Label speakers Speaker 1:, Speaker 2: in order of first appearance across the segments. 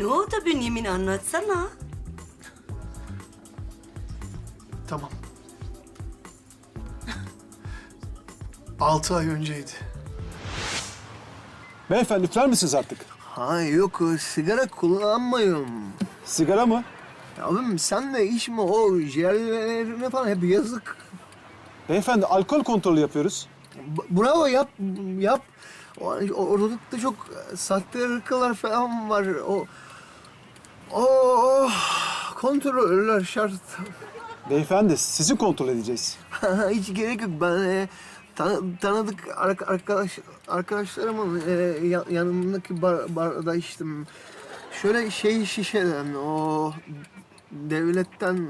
Speaker 1: Ne oldu Bünyamin, anlatsana.
Speaker 2: Tamam. 6 ay önceydi.
Speaker 3: Beyefendi üfler misiniz artık?
Speaker 2: Ha yok, sigara kullanmıyorum.
Speaker 3: Sigara mı?
Speaker 2: Abim sen de içme, o ciğerlerine falan hep yazık.
Speaker 3: Beyefendi alkol kontrolü yapıyoruz.
Speaker 2: Bravo, yap. Ortalıkta çok sahte ırkılar falan var. O kontroller şart.
Speaker 3: Beyefendi sizi kontrol edeceğiz.
Speaker 2: Hiç gerek yok. Ben tanıdık arkadaşlarımın yanındaki barda içtim. Şöyle şişeden, o devletten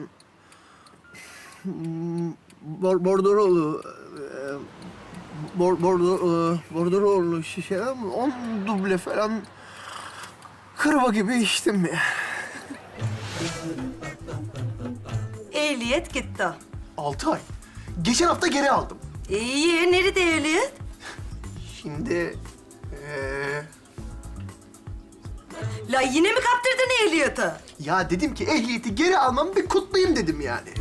Speaker 2: bordrolu bordrolu şişeden 10 duble falan kırba gibi içtim ya.
Speaker 1: Ehliyet gitti.
Speaker 2: 6 ay. Geçen hafta geri aldım.
Speaker 1: İyi, nerede ehliyet?
Speaker 2: Şimdi
Speaker 1: La yine mi kaptırdın ehliyeti?
Speaker 2: ya dedim ki ehliyeti geri almam, bir kutlayayım dedim yani.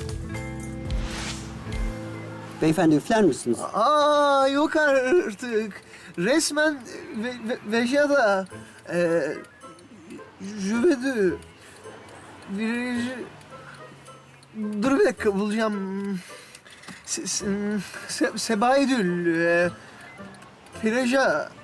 Speaker 4: Beyefendi üfler misiniz?
Speaker 2: Aa yok artık. Resmen Vejada, Jüvedü, dur bir dakika bulacağım. Sebaidül, Plaja,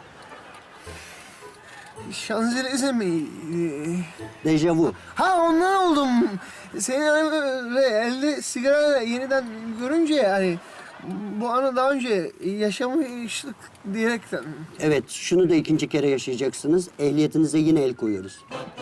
Speaker 2: Şanzelize mi?
Speaker 4: Dejavu.
Speaker 2: Ha ondan oldum. Seni ve elde sigara yeniden görünce yani bu anı daha önce yaşamıştık diyerekten.
Speaker 4: Evet, şunu da ikinci kere yaşayacaksınız. Ehliyetinize yine el koyuyoruz.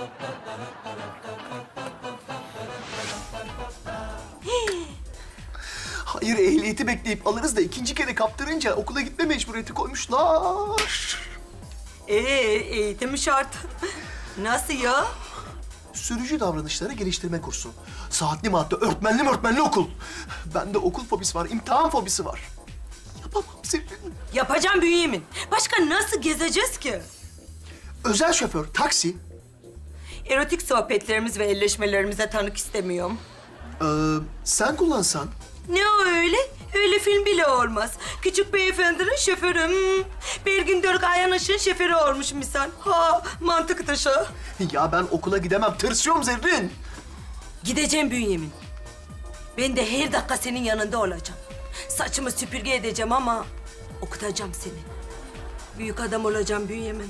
Speaker 2: Hayır, ehliyeti bekleyip alırız da ikinci kere kaptırınca okula gitme mecburiyeti koymuşlar.
Speaker 1: Eğitim şart. Nasıl ya?
Speaker 2: Sürücü davranışları geliştirme kursu. Saatli madde, öğretmenli okul. Bende okul fobisi var, imtihan fobisi var. Yapamam Zerrin.
Speaker 1: Yapacağım Bünyamin. Başka nasıl gezeceğiz ki?
Speaker 2: Özel şoför, taksi.
Speaker 1: Erotik sohbetlerimiz ve elleşmelerimize tanık istemiyorum.
Speaker 2: Sen kullansan.
Speaker 1: Ne o öyle? Öyle film bile olmaz. Küçük beyefendinin şoförü. Belgin Dörk Ayanış'ın şoförü olmuş misal. Ha, mantık dışı.
Speaker 2: Ya ben okula gidemem, tırsıyorum Zerrin.
Speaker 1: Gideceğim Bünyamin. Ben de her dakika senin yanında olacağım. Saçımı süpürge edeceğim ama okutacağım seni. Büyük adam olacağım Bünyamin.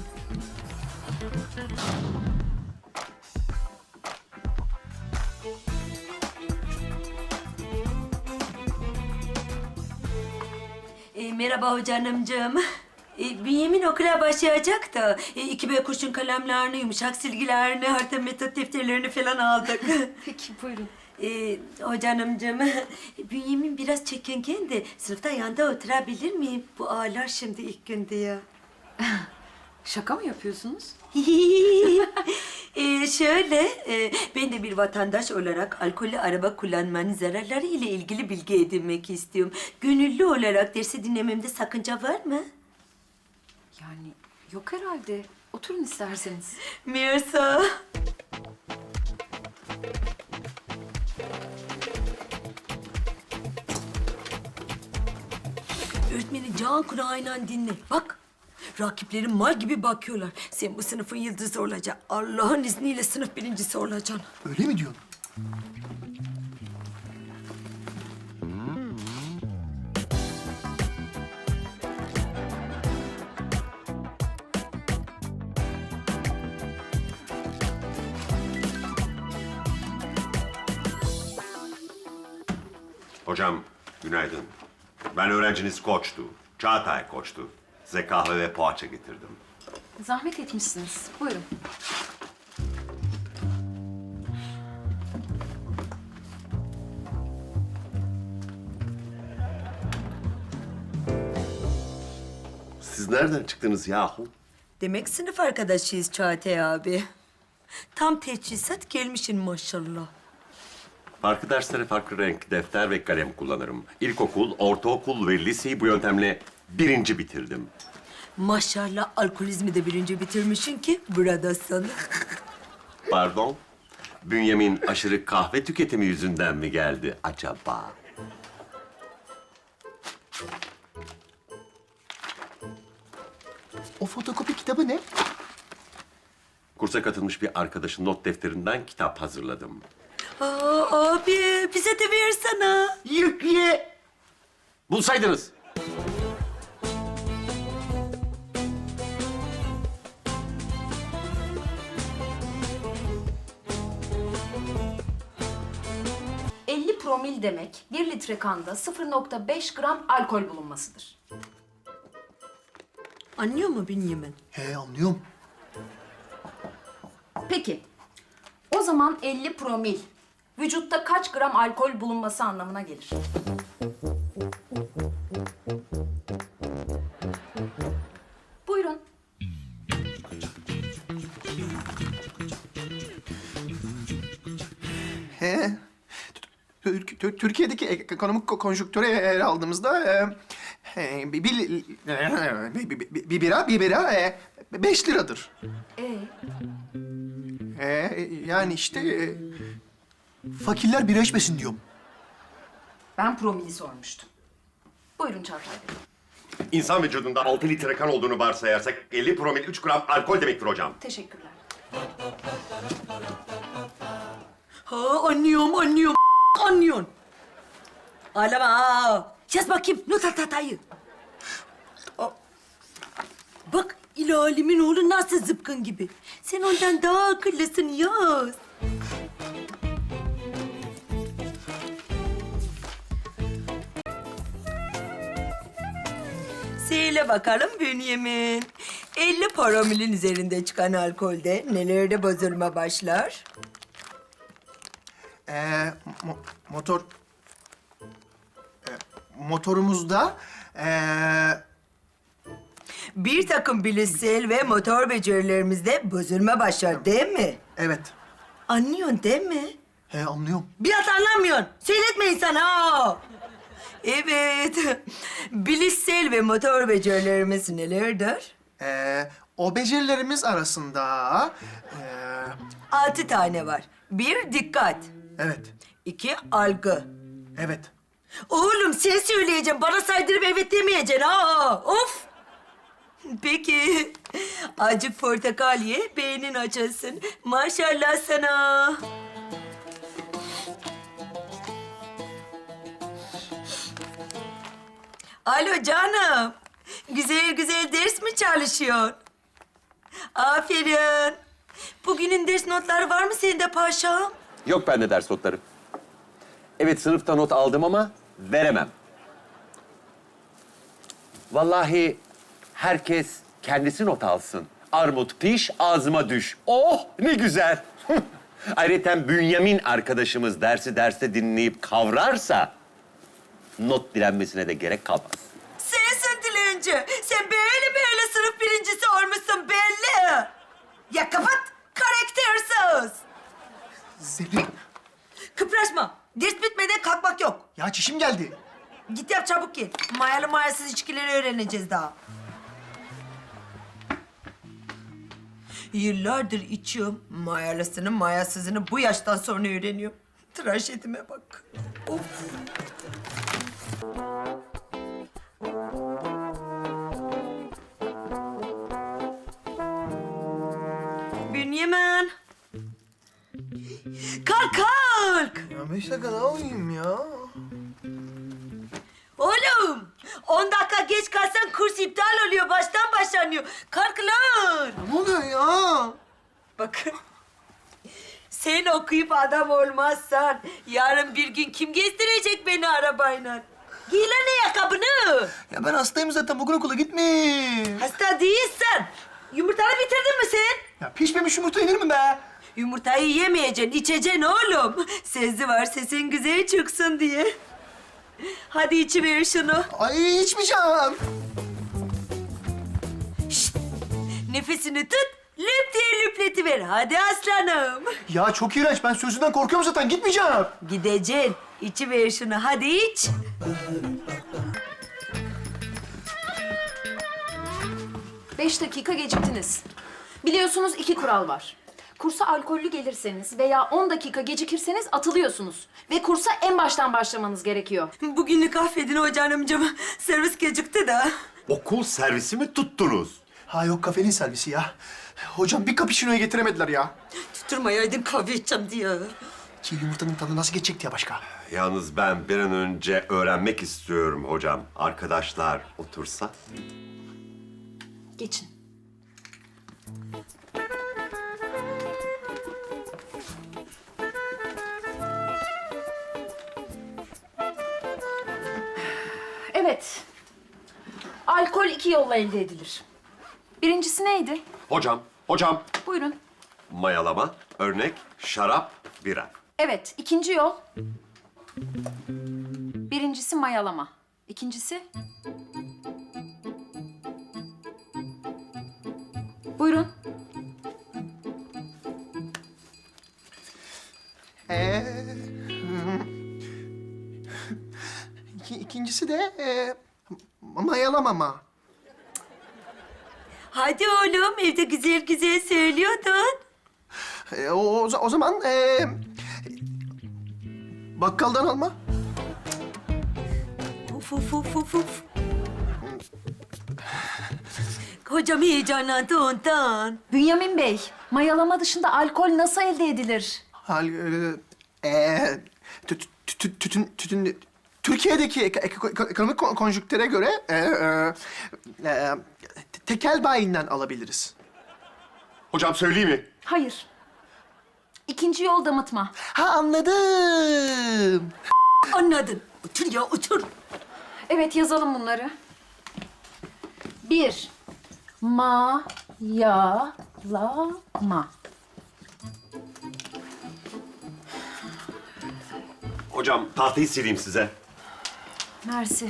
Speaker 1: Merhaba hocanımcığım. Bünyamin okula başlayacak da 2B kurşun kalemlerini, yumuşak silgilerini, harita metot defterlerini falan aldık.
Speaker 5: Peki, buyurun.
Speaker 1: Hocanımcığım, Bünyamin biraz çekingen de sınıfta yanda oturabilir miyim? Bu ağlar şimdi ilk gün diye.
Speaker 5: Şaka mı yapıyorsunuz?
Speaker 1: Ben de bir vatandaş olarak alkollü araba kullanmanın zararları ile ilgili bilgi edinmek istiyorum. Gönüllü olarak dersi dinlememde sakınca var mı?
Speaker 5: Yani yok herhalde. Oturun isterseniz.
Speaker 1: Mirsa. Öğretmeni can kulağıyla dinle. Bak, rakiplerin mal gibi bakıyorlar. Sen bu sınıfın yıldızı olacaksın. Allah'ın izniyle sınıf birincisi olacaksın.
Speaker 2: Öyle mi diyorsun?
Speaker 6: Hocam, günaydın. Ben öğrenciniz Koç'tu. Çağatay Koç'tu. Size kahve ve poğaça getirdim.
Speaker 5: Zahmet etmişsiniz. Buyurun.
Speaker 6: Siz nereden çıktınız yahu?
Speaker 1: Demek sınıf arkadaşıyız Çağatay abi. Tam teçhizat gelmişsin maşallah.
Speaker 6: Farklı derslere farklı renk defter ve kalem kullanırım. İlkokul, ortaokul ve liseyi bu yöntemle birinci bitirdim.
Speaker 1: Maşallah alkolizmi de birinci bitirmişsin ki buradasın.
Speaker 6: Pardon? Bünyamin aşırı kahve tüketimi yüzünden mi geldi acaba?
Speaker 2: O fotokopi kitabı ne?
Speaker 6: Kursa katılmış bir arkadaşın not defterinden kitap hazırladım.
Speaker 1: Aa, abi bize de versene.
Speaker 6: Yükle! Bulsaydınız.
Speaker 5: ...50 promil demek 1 litre kanda 0,5 gram alkol bulunmasıdır.
Speaker 1: Anlıyor mu Bünyamin?
Speaker 2: He anlıyorum.
Speaker 5: Peki, o zaman 50 promil vücutta kaç gram alkol bulunması anlamına gelir? Buyurun.
Speaker 2: He. Türkiye'deki ekonomik konjonktüre ele aldığımızda bir bira 5 liradır. Yani işte fakirler bira içmesin diyorum.
Speaker 5: Ben promili sormuştum. Buyurun Çağatay Bey.
Speaker 6: İnsan vücudunda 6 litre kan olduğunu varsayarsak 50 promil 3 gram alkol demektir hocam.
Speaker 5: Teşekkürler.
Speaker 1: Ha anlıyorum. Anlıyorsun. Ağlama ha. Yaz bakayım not al tatayı. Bak ilalimin oğlu nasıl zıpkın gibi. Sen ondan daha akıllısın yaz. Söyle bakalım Bünyamin. 50 promilin üzerinde çıkan alkolde nelerde bozulma başlar?
Speaker 2: Motor... motorumuzda...
Speaker 1: Bir takım bilişsel ve motor becerilerimizde bozulma başlar değil mi?
Speaker 2: evet.
Speaker 1: Anlıyorsun değil mi?
Speaker 2: He anlıyorum.
Speaker 1: Biraz anlamıyorsun. Söyletme insan ha. Evet. Bilişsel ve motor becerilerimiz nelerdir?
Speaker 2: O becerilerimiz arasında...
Speaker 1: 6 tane var. 1 dikkat.
Speaker 2: evet.
Speaker 1: 2 algı.
Speaker 2: Evet.
Speaker 1: Oğlum sen söyleyeceksin. Bana saydırıp evet demeyeceksin ha. Of. Peki. Acık portakal ye, beynin açılsın. Maşallah sana. Alo canım. Güzel güzel ders mi çalışıyorsun? Aferin. Bugünün ders notları var mı sende paşam?
Speaker 6: Yok bende ders notları. Evet sınıfta not aldım ama veremem. Vallahi herkes kendisi not alsın. Armut piş, ağzıma düş. Oh ne güzel. Ayrıca Bünyamin arkadaşımız derste dinleyip kavrarsa... ...not dilenmesine de gerek kalmaz.
Speaker 1: Sensin dilenci. Sen böyle sınıf birincisi olmuşsun belli. Ya kapat. Karaktersiz.
Speaker 2: Zerrin.
Speaker 1: Kıpraşma. Ders bitmeden kalkmak yok.
Speaker 2: Ya çişim geldi.
Speaker 1: Git yap çabuk gel. Mayalı mayasız içkileri öğreneceğiz daha. Yıllardır içiyorum. Mayalısını mayasızını bu yaştan sonra öğreniyorum. Trajedime bak. Of. Bünyamin. Kalk.
Speaker 2: Ya 5 dakika daha uyuyayım ya.
Speaker 1: Oğlum 10 dakika geç kalsan kurs iptal oluyor. Baştan başlanıyor. Kalk lan.
Speaker 2: Ne oluyor ya?
Speaker 1: Bakın. Sen okuyup adam olmazsan yarın bir gün kim gezdirecek beni arabayla? Giy lan ayakkabını.
Speaker 2: Ya ben hastayım zaten. Bugün okula gitmeyeyim.
Speaker 1: Hasta değilsen. Yumurtanı bitirdin mi sen?
Speaker 2: Ya pişmemiş yumurta yenir mi be?
Speaker 1: Yumurtayı yemeyeceksin, içeceksin oğlum. Sezi var sesin güzel çıksın diye. Hadi içiver şunu.
Speaker 2: Ay içmeyeceğim.
Speaker 1: Şşt! Nefesini tut, lüp diye lüpletiver. Hadi aslanım.
Speaker 2: Ya çok iğrenç. Ben sözünden korkuyorum zaten. Gitmeyeceğim.
Speaker 1: Gideceksin. İçiver şunu. Hadi iç.
Speaker 5: 5 dakika geciktiniz. Biliyorsunuz 2 kural var. Kursa alkollü gelirseniz veya 10 dakika gecikirseniz atılıyorsunuz. Ve kursa en baştan başlamanız gerekiyor.
Speaker 1: Bugünlük affedin hocanımcığım. Servis gecikti de.
Speaker 6: Okul servisi mi tuttunuz?
Speaker 2: Ha yok, kafenin servisi ya. Hocam bir cappuccino'yu getiremediler ya.
Speaker 1: Tutturmayaydın kahve içeceğim diye.
Speaker 2: Çiğ yumurtanın tadı nasıl geçecekti ya başka?
Speaker 6: Yalnız ben bir an önce öğrenmek istiyorum hocam. Arkadaşlar otursa.
Speaker 5: Geçin. Evet. Alkol 2 yolla elde edilir. Birincisi neydi?
Speaker 6: Hocam.
Speaker 5: Buyurun.
Speaker 6: Mayalama, örnek, şarap, bira.
Speaker 5: Evet, ikinci yol. Birincisi mayalama. İkincisi? Buyurun.
Speaker 2: İkincisi de mayalamama.
Speaker 1: Hadi oğlum, evde güzel güzel söylüyordun.
Speaker 2: O zaman bakkaldan alma.
Speaker 1: Uf uf uf uf uf. Hocam heyecanlandı ondan.
Speaker 5: Bünyamin Bey, mayalama dışında alkol nasıl elde edilir?
Speaker 2: Tütün Türkiye'deki ekonomik konjüktüre göre tekel bayinden alabiliriz.
Speaker 6: Hocam söyleyeyim mi?
Speaker 5: Hayır. İkinci yol damıtma.
Speaker 2: Ha, anladım.
Speaker 1: Anladın. Otur ya, otur.
Speaker 5: Evet, yazalım bunları. 1. Mayalama.
Speaker 6: Hocam tahtayı sileyim size.
Speaker 5: Mersi.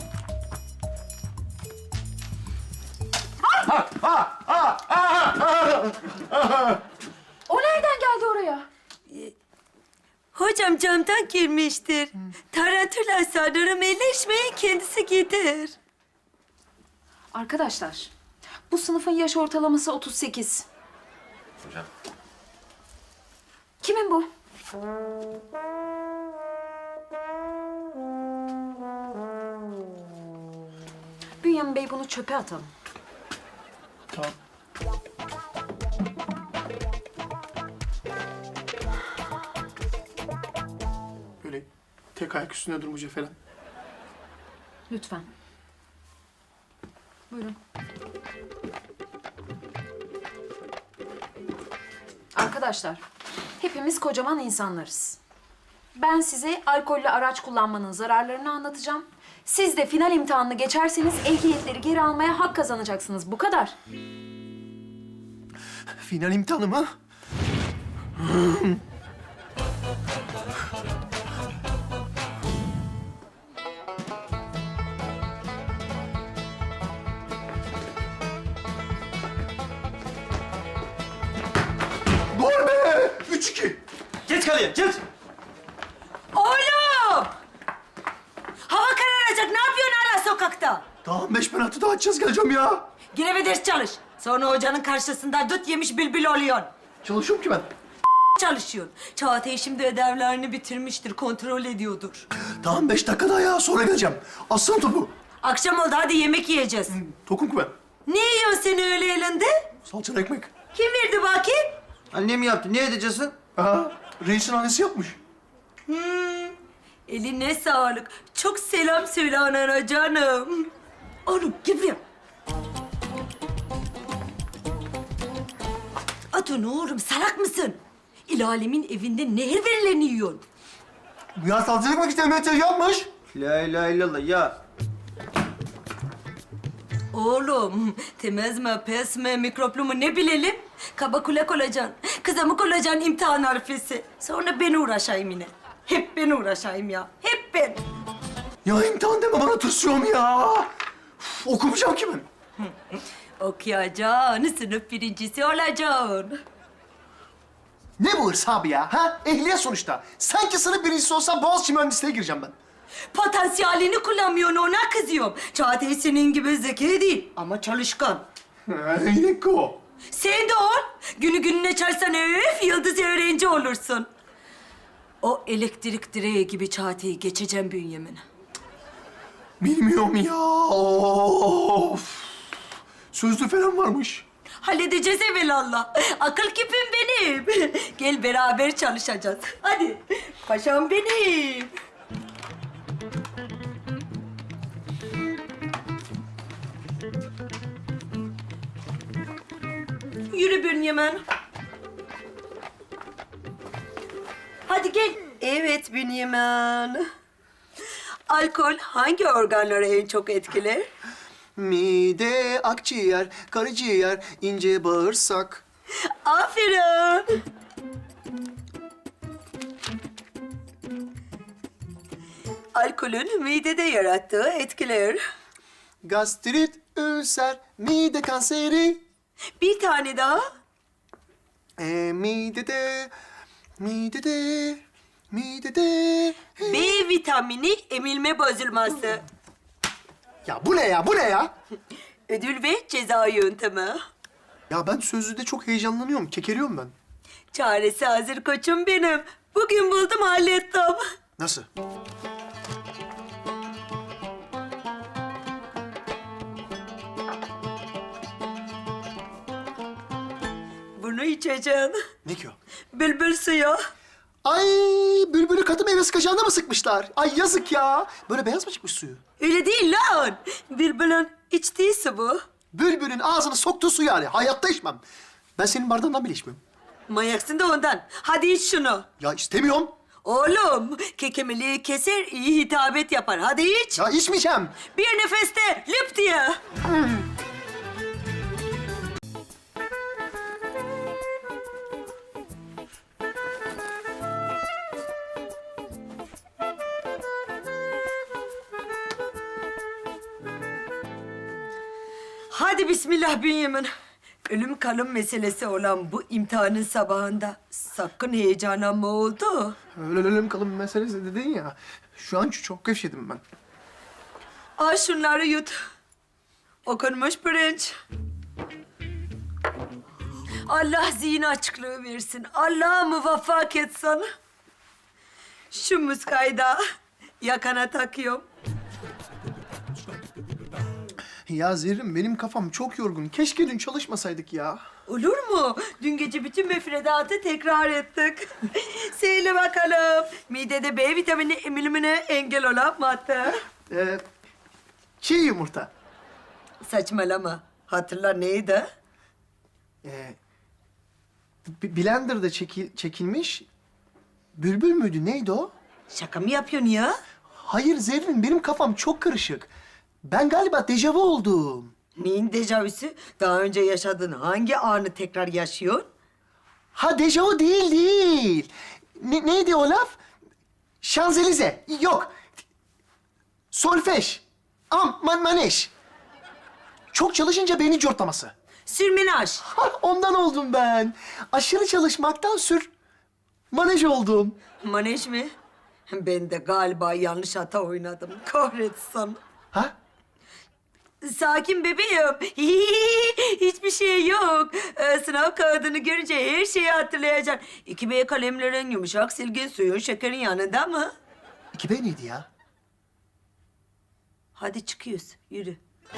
Speaker 5: O nereden geldi oraya?
Speaker 1: Hocam camdan girmiştir. Tarantula sanırım elleşmeyin, kendisi gider.
Speaker 5: Arkadaşlar, bu sınıfın yaş ortalaması 38.
Speaker 6: Hocam.
Speaker 5: Kimin bu? Bünyamin Bey, bunu çöpe atalım.
Speaker 2: Tamam. Böyle tek ayak üstünde durmayacak falan.
Speaker 5: Lütfen. Buyurun. Arkadaşlar, hepimiz kocaman insanlarız. Ben size alkollü araç kullanmanın zararlarını anlatacağım. Siz de final imtihanını geçerseniz ehliyetleri geri almaya hak kazanacaksınız. Bu kadar.
Speaker 2: Final imtihanı mı? Gol be! 3-2.
Speaker 7: Geç kaleye, geç.
Speaker 1: Oğlum! Hava kararacak, ne yapıyorsun hala sokakta?
Speaker 2: Tamam, 5 penaltı daha atacağız, geleceğim ya.
Speaker 1: Gire ve ders çalış. Sonra hocanın karşısında dut yemiş bülbül oluyorsun.
Speaker 2: Çalışıyorum ki ben.
Speaker 1: Çalışıyorsun. Çağatay şimdi ödevlerini bitirmiştir, kontrol ediyordur.
Speaker 2: Tamam, 5 dakika daha ya, sonra geleceğim. Aslan topu.
Speaker 1: Akşam oldu, hadi yemek yiyeceğiz.
Speaker 2: Tokum ki ben.
Speaker 1: Ne yiyorsun sen öyle elinde?
Speaker 2: Salçalı ekmek.
Speaker 1: Kim verdi bakayım?
Speaker 7: Annem yaptı, ne edeceksin?
Speaker 2: Aha, reisin annesi yapmış.
Speaker 1: Eline sağlık. Çok selam söyle anana canım. Oğlum gel buraya. Atun oğlum, salak mısın? İlalemin evinde nehir verilerini yiyorsun.
Speaker 2: Bu ya salçalı ekmek işte Mehmet yapmış.
Speaker 7: La ilahe illallah ya.
Speaker 1: Oğlum, temiz mi, pes mi, mikroplu mu ne bilelim? Kaba kulak olacaksın, kızamık olacaksın imtihan harfesi. Sonra ben uğraşayım yine. Hep ben uğraşayım ya, hep ben.
Speaker 2: Ya imtihan deme bana, tırsıyorum ya. Uf, okumayacağım ki ben.
Speaker 1: Okuyacaksın, sınıf birincisi olacaksın.
Speaker 2: Ne bu hırs abi ya? Ha? Ehliyet sonuçta. Sanki sınıf birincisi olsam Boğaziçi mühendisliğe gireceğim ben.
Speaker 1: Potansiyelini kullanmıyorsun, ona kızıyorum. Çağatay senin gibi zeki değil ama çalışkan.
Speaker 2: Niko.
Speaker 1: Sen de ol. Günü gününe çalsan öf, yıldız öğrenci olursun. O elektrik direği gibi çateyi geçeceğim Bünyamin.
Speaker 2: Bilmiyorum ya. Of. Sözlü falan varmış.
Speaker 1: Halledeceğiz evelallah. Akıl küpüm benim. Gel beraber çalışacağız. Hadi. Paşam benim. Yürü Bünyamin. Hadi gel. Evet Bünyamin. Alkol hangi organları en çok etkiler?
Speaker 2: Mide, akciğer, karaciğer, ince bağırsak.
Speaker 1: Aferin. Alkolün midede yarattığı etkiler.
Speaker 2: Gastrit, ülser, mide kanseri.
Speaker 1: Bir tane daha.
Speaker 2: Midede, midede.
Speaker 1: B vitamini emilme bozulması.
Speaker 2: Ya bu ne ya, bu ne ya?
Speaker 1: Ödül ve ceza yöntemi.
Speaker 2: Ya ben sözlüde çok heyecanlanıyorum, kekeliyorum ben.
Speaker 1: Çaresi hazır koçum benim. Bugün buldum hallettim.
Speaker 2: Nasıl?
Speaker 1: Bunu içeceğim.
Speaker 2: Ne ki o?
Speaker 1: Bülbül suyu.
Speaker 2: Ay, bülbülü katı meyve sıkacağına mı sıkmışlar? Ay yazık ya. Böyle beyaz mı çıkmış suyu?
Speaker 1: Öyle değil lan. Bülbülün içtiği su bu.
Speaker 2: Bülbülün ağzını soktuğu su yani. Hayatta içmem. Ben senin bardağından bile içmiyorum.
Speaker 1: Manyaksın da ondan. Hadi iç şunu.
Speaker 2: Ya istemiyorum.
Speaker 1: Oğlum, kekemeliği keser, iyi hitabet yapar. Hadi iç.
Speaker 2: Ya içmeyeceğim.
Speaker 1: Bir nefeste lüp diye. Hadi bismillah Bünyamin. Ölüm kalım meselesi olan bu imtihanın sabahında sakın heyecanlanma oldu.
Speaker 2: Ölelim kalın meselesi dedin ya. Şu an çok gevşedim ben.
Speaker 1: Al şunları yut. Okunmuş pirinç. Allah zihin açıklığı versin. Allah muvaffak etsin. Şu muskayı da yakana takıyorum.
Speaker 2: Ya Zerrin benim kafam çok yorgun. Keşke dün çalışmasaydık ya.
Speaker 1: Olur mu? Dün gece bütün müfredatı tekrar ettik. Söyle bakalım. Midede B vitamini emilimine engel olan madde.
Speaker 2: Çiğ yumurta.
Speaker 1: Saçmalama. Hatırla neydi?
Speaker 2: Blender'da çekilmiş. Bülbül müydü? Neydi o?
Speaker 1: Şaka mı yapıyorsun ya?
Speaker 2: Hayır Zerrin benim kafam çok karışık. Ben galiba dejavu oldum.
Speaker 1: Neyin dejavüsü? Daha önce yaşadığın hangi anı tekrar yaşıyorsun?
Speaker 2: Ha dejavu değil. Neydi o laf? Şanzelize. Yok. Solfej. Maneş. Çok çalışınca beynin cortlaması.
Speaker 1: Sürmenaj.
Speaker 2: Ha, ondan oldum ben. Aşırı çalışmaktan manej oldum.
Speaker 1: Manej mi? Ben de galiba yanlış hata oynadım. Kahretsin.
Speaker 2: Ha?
Speaker 1: Sakin bebeğim. Hiçbir şey yok. Sınav kağıdını görünce her şeyi hatırlayacaksın. 2B kalemlerin, yumuşak silgin, suyun, şekerin yanında mı?
Speaker 2: 2B neydi ya?
Speaker 1: Hadi çıkıyoruz. Yürü.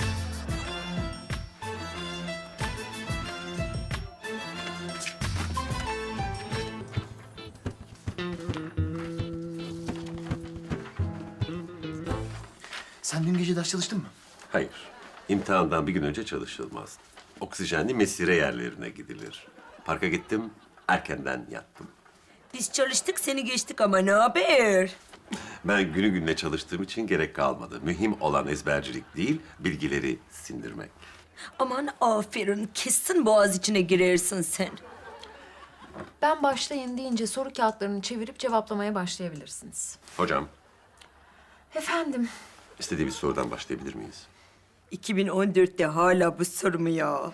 Speaker 2: Sen dün gece ders çalıştın mı?
Speaker 6: Hayır. İmtihandan bir gün önce çalışılmaz. Oksijenli mesire yerlerine gidilir. Parka gittim, erkenden yattım.
Speaker 1: Biz çalıştık, seni geçtik ama ne haber?
Speaker 6: Ben günü gününe çalıştığım için gerek kalmadı. Mühim olan ezbercilik değil, bilgileri sindirmek.
Speaker 1: Aman aferin, kesin boğaz içine girersin sen.
Speaker 5: Ben başlayın deyince soru kağıtlarını çevirip cevaplamaya başlayabilirsiniz.
Speaker 6: Hocam,
Speaker 5: Efendim,
Speaker 6: istediğimiz sorudan başlayabilir miyiz?
Speaker 1: 2014'te hala bu soru mu ya?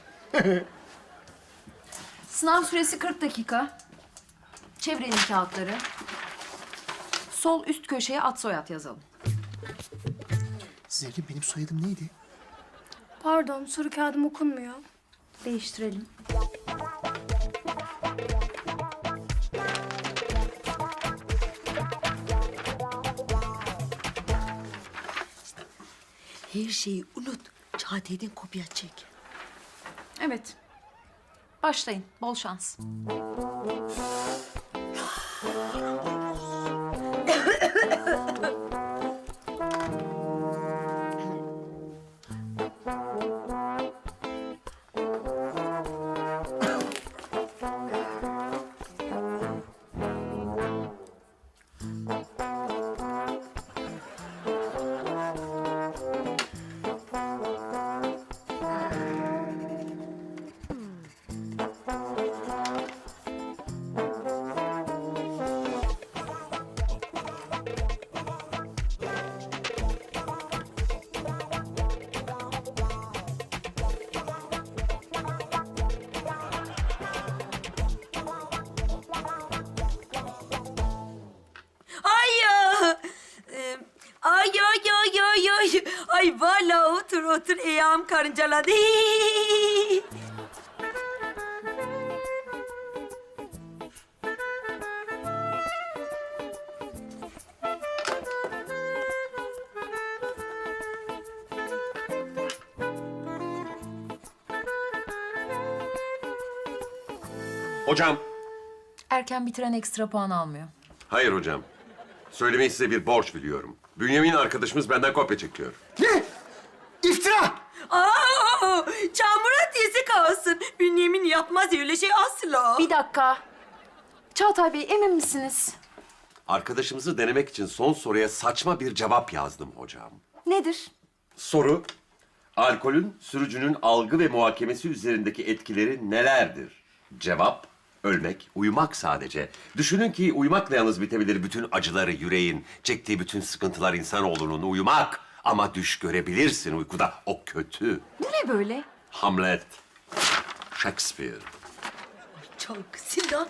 Speaker 5: sınav süresi 40 dakika. Çevirelim kağıtları. Sol üst köşeye ad soyad yazalım.
Speaker 2: Zerrin benim soyadım neydi?
Speaker 8: Pardon, soru kağıdım okunmuyor.
Speaker 5: Değiştirelim.
Speaker 1: Her şeyi unut. Çağatay'dan kopya çek.
Speaker 5: Evet. Başlayın. Bol şans.
Speaker 1: Ay ya! Ay. Ay vallahi otur ayağım karıncaladı.
Speaker 6: Hocam.
Speaker 5: Erken bitiren ekstra puan almıyor.
Speaker 6: Hayır hocam. Söylemeyi size bir borç biliyorum. Bünyamin arkadaşımız benden kopya çekiyor.
Speaker 2: Ne? İftira!
Speaker 1: Aa, çamura dizi kalsın. Bünyamin yapmaz öyle şey asla.
Speaker 5: Bir dakika. Çağatay Bey, emin misiniz?
Speaker 6: Arkadaşımızı denemek için son soruya saçma bir cevap yazdım hocam.
Speaker 5: Nedir?
Speaker 6: Soru, alkolün sürücünün algı ve muhakemesi üzerindeki etkileri nelerdir? Cevap, ölmek, uyumak sadece. Düşünün ki uyumakla yalnız bitebilir bütün acıları yüreğin, çektiği bütün sıkıntılar insanoğlunun uyumak. Ama düş görebilirsin uykuda, o kötü.
Speaker 5: Bu ne böyle?
Speaker 6: Hamlet, Shakespeare.
Speaker 1: Çok Sinan.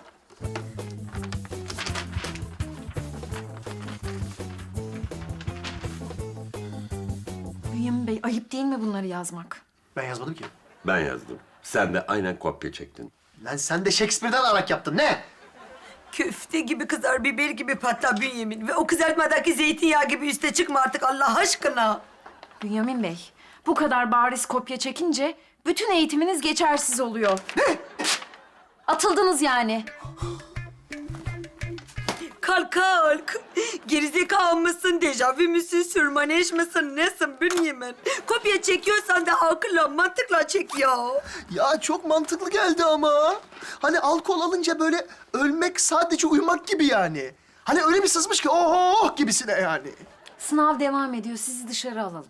Speaker 5: Bünyamin Bey, ayıp değil mi bunları yazmak?
Speaker 2: Ben yazmadım ki.
Speaker 6: Ben yazdım. Sen de aynen kopya çektin.
Speaker 2: Lan sen de Shakespeare'den arak yaptın. Ne?
Speaker 1: Köfte gibi kızar, biber gibi patlar Bünyamin. Ve o kızartmadaki zeytinyağı gibi üste çıkma artık Allah aşkına.
Speaker 5: Bünyamin Bey, bu kadar bariz kopya çekince bütün eğitiminiz geçersiz oluyor.
Speaker 2: Ne?
Speaker 5: Atıldınız yani.
Speaker 1: Kalk. Gerizekalı mısın, dejavu müsün, sürmaneş misin, nesin Bünyamin? Kopya çekiyorsan da akılla, mantıkla çek ya.
Speaker 2: Ya çok mantıklı geldi ama. Hani alkol alınca böyle ölmek sadece uyumak gibi yani. Hani öyle bir sızmış ki oh gibisine yani.
Speaker 5: Sınav devam ediyor. Sizi dışarı alalım.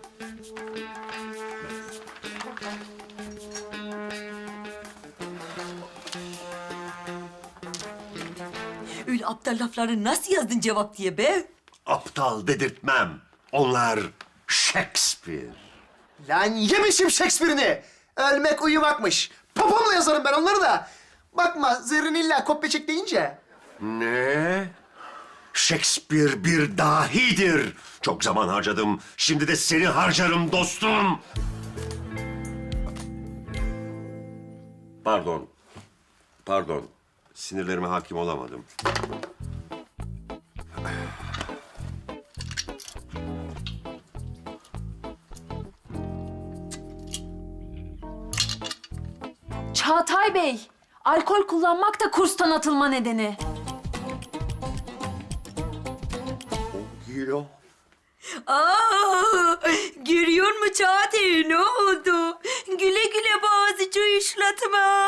Speaker 1: Öyle aptal lafları nasıl yazdın cevap diye be?
Speaker 6: Aptal dedirtmem. Onlar Shakespeare.
Speaker 2: Lan yemişim Shakespeare'ini. Ölmek uyumakmış. Papamla yazarım ben onları da. Bakma Zerrin illa kopya çek deyince.
Speaker 6: Ne? Shakespeare bir dahidir. Çok zaman harcadım. Şimdi de seni harcarım dostum. Pardon. Sinirlerime hakim olamadım.
Speaker 5: Çağatay Bey, alkol kullanmak da kurstan atılma nedeni.
Speaker 6: Gilo.
Speaker 1: Aa, görüyor musun Çağatay, ne oldu? Güle güle boğazıcı işletme.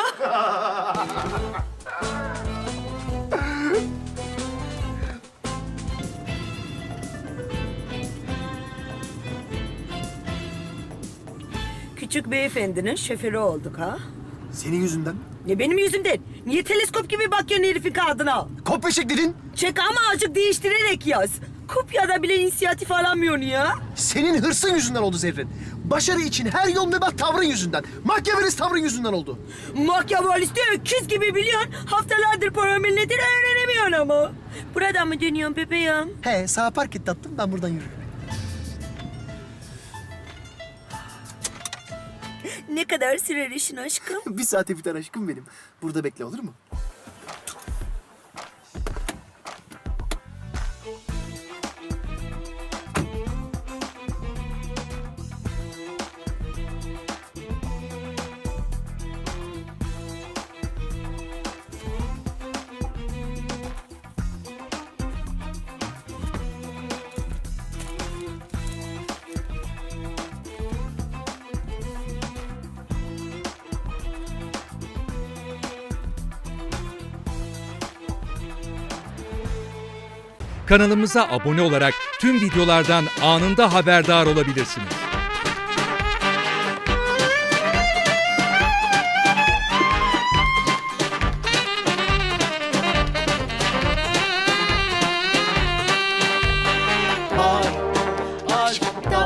Speaker 1: Küçük beyefendinin şoförü olduk ha.
Speaker 2: Senin yüzünden.
Speaker 1: Ne benim yüzümden? Niye teleskop gibi bakıyorsun herifin kağıdına?
Speaker 2: Kopya çek dedin.
Speaker 1: Çek ama azıcık değiştirerek yaz. Kopyada bile inisiyatif alamıyorsun ya.
Speaker 2: Senin hırsın yüzünden oldu Zerrin. Başarı için her yol mübah tavrın yüzünden. Makyavelist tavrın yüzünden oldu.
Speaker 1: Makyavalisti öküz gibi biliyorsun. Haftalardır paramilletini öğrenemiyorsun ama. Buradan mı dönüyorsun bebeğim?
Speaker 2: He sağa park et tatlım ben buradan yürürüm.
Speaker 1: Ne kadar sürer işin aşkım?
Speaker 2: 1 saate biter aşkım benim. Burada bekle, olur mu?
Speaker 8: Kanalımıza abone olarak tüm videolardan anında haberdar olabilirsiniz.